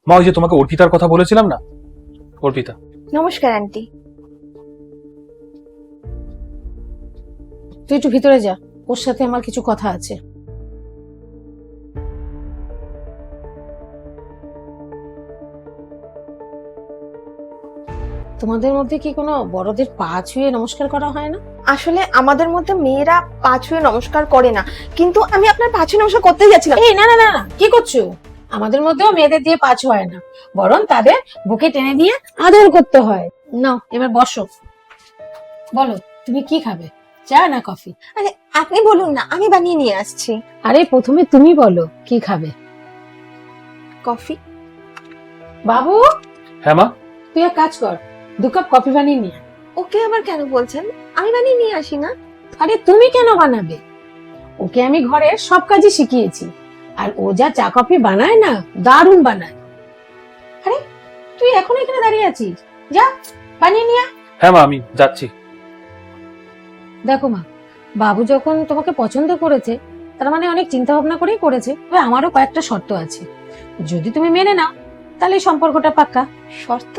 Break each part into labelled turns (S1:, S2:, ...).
S1: মা, ওই যে তোমাকে অর্পিতার কথা বলেছিলাম না, অর্পিতা।
S2: নমস্কার আন্টি।
S3: তুই একটু ভিতরে যা, ওর সাথে আমার কিছু কথা আছে। তোমাদের মধ্যে কি কোনো বড়দের পা ছুঁয়ে নমস্কার করা হয় না?
S2: আসলে আমাদের মধ্যে মেয়েরা পা ছুঁয়ে নমস্কার করে না, কিন্তু আমি আপনার পা ছুঁয়ে নমস্কার করতে যাচ্ছিলাম।
S3: এই না না না না, কি করছো? আমাদের মধ্যেও মেয়েদের দিয়ে পা ছোঁয়ায় না, বরং তাদের বুকে টেনে দিয়ে আদর করতে হয়। নাও এবার বসো, বলো তুমি কি খাবে, চা না কফি?
S2: আরে আপনি বলুন না, আমি বানিয়ে নিয়ে আসছি।
S3: আরে প্রথমে তুমি বলো কি খাবে।
S2: কফি।
S3: বাবু,
S1: হ্যাঁ মা।
S3: তুই এক কাজ কর, 2 কাপ কফি বানিয়ে নিয়ে আয়।
S2: ওকে আবার কেন বলছেন? আমি বানিয়ে নিয়ে আসি না।
S3: আরে তুমি কেন বানাবে? ওকে আমি ঘরের সব কাজই শিখিয়েছি, আর ও যা চা কফি বানায় না, দারুণ বানায়। আরে তুই এখন এখানে দাঁড়িয়ে আছিস, যা বানিয়ে নিয়ে আয়।
S1: হ্যাঁ মা, আমি যাচ্ছি।
S3: দেখো মা, বাবু যখন তোমাকে পছন্দ করেছে, তার মানে অনেক চিন্তা ভাবনা করেই করেছে। তবে আমারও কয়েকটা শর্ত আছে, যদি তুমি মেনে নাও তাহলে এই সম্পর্কটা পাক্কা।
S2: শর্ত?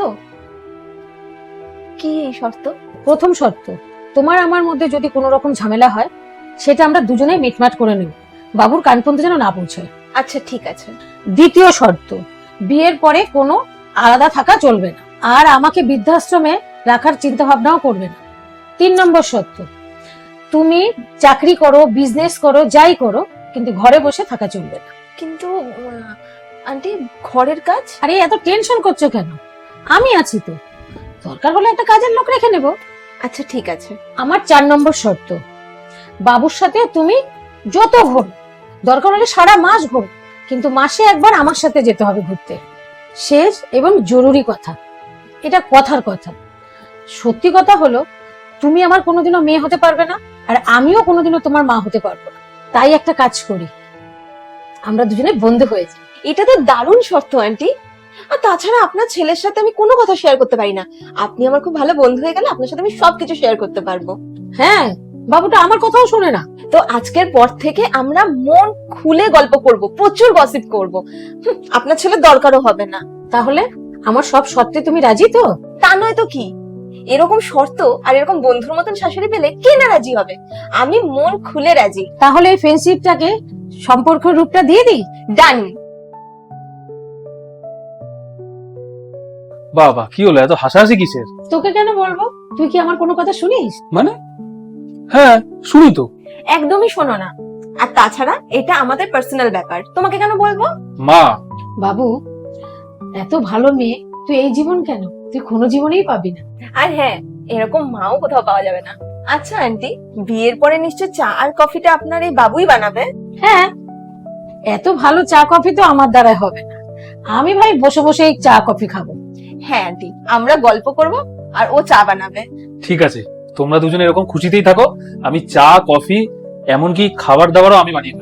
S2: কি এই শর্ত?
S3: প্রথম শর্ত, তোমার আমার মধ্যে যদি কোনো রকম ঝামেলা হয়, সেটা আমরা দুজনেই মিটমাট করে নেব, বাবুর কান পর্যন্ত যেন না পৌঁছায়।
S2: আচ্ছা ঠিক আছে।
S3: দ্বিতীয় শর্ত, বিয়ের পরে কোনো আলাদা থাকা চলবে না, আর আমাকে বৃদ্ধাশ্রমে রাখার চিন্তা ভাবনাও করবে না। 3 নম্বর শর্ত, তুমি চাকরি করো, বিজনেস করো, যাই করো, কিন্তু ঘরে বসে থাকা চলবে না।
S2: কিন্তু আন্টি, ঘরের কাজ?
S3: আরে এত টেনশন করছো কেন, আমি আছি তো, দরকার হলে একটা কাজের লোক রেখে নেব।
S2: আচ্ছা ঠিক আছে।
S3: আমার 4 নম্বর শর্ত, বাবুর সাথে তুমি যত ঘোরো, দরকার হলে সারা মাস ঘোরো, কিন্তু মাসে একবার আমার সাথে যেতে হবে ঘুরতে। শেষ এবং জরুরি কথা, এটা কথার কথা, সত্যি কথা হলো, তুমি আমার কোনোদিনও মেয়ে হতে পারবে না, আর আমিও কোনোদিনও তোমার মা হতে পারবো না। তাই একটা কাজ করি, আমরা দুজনে বন্ধু হয়ে যাই।
S2: এটা তো দারুণ শর্ত আন্টি। আর তাছাড়া আপনার ছেলের সাথে আমি কোনো কথা শেয়ার করতে পারি না। আপনি আমার খুব ভালো বন্ধু হয়ে গেলে আপনার সাথে আমি সবকিছু শেয়ার করতে পারবো।
S3: হ্যাঁ, বাবুটা আমার কথাও শোনে না।
S2: তো আজকের পর থেকে আমরা মন খুলে গল্প করব, প্রচুর গসিপ করব। আপনার ছেলের দরকারও হবে না।
S3: তাহলে আমার সব শর্তে তুমি রাজি তো?
S2: তা নয় তো কি, এরকম শর্ত আর এরকম বন্ধুর মতন শাশুড়ি পেলে কে না রাজি হবে। আমি মন খুলে রাজি।
S3: তাহলে এই ফ্রেন্ডশিপটাকে সম্পর্কের রূপটা দিয়ে দিই।
S2: ডান।
S1: বাবা, কি হলো, এত হাসাহাসি কিসের?
S3: তোকে কেন বলবো, তুই কি আমার কোনো কথা শুনিস?
S1: মানে হ্যাঁ, শুনি তো।
S2: একদমই শোনো না। আর তাছাড়া এটা আমাদের পার্সোনাল ব্যাপার, তোমাকে কেন বলবো?
S1: মা,
S3: বাবু, এত ভালো মেয়ে তুই এই জীবন কেন, তুই কোনো জীবনেই পাবি না।
S2: আর হ্যাঁ, এরকম মাও কোথাও পাওয়া যাবে না। আচ্ছা আন্টি, বিয়ের পরে নিশ্চয় চা আর কফিটা আপনার এই বাবুই বানাবে?
S3: হ্যাঁ, এত ভালো চা কফি তো আমার দ্বারা হবে না, আমি ভাই বসে বসে এই চা কফি খাবো।
S2: হ্যাঁ আন্টি, আমরা গল্প করব আর ও চা বানাবে।
S1: ঠিক আছে, তোমরা দুজনে এরকম খুশিতেই থাকো। আমি চা, কফি, এমনকি খাবার দাবারও আমি বানিয়ে দেবো।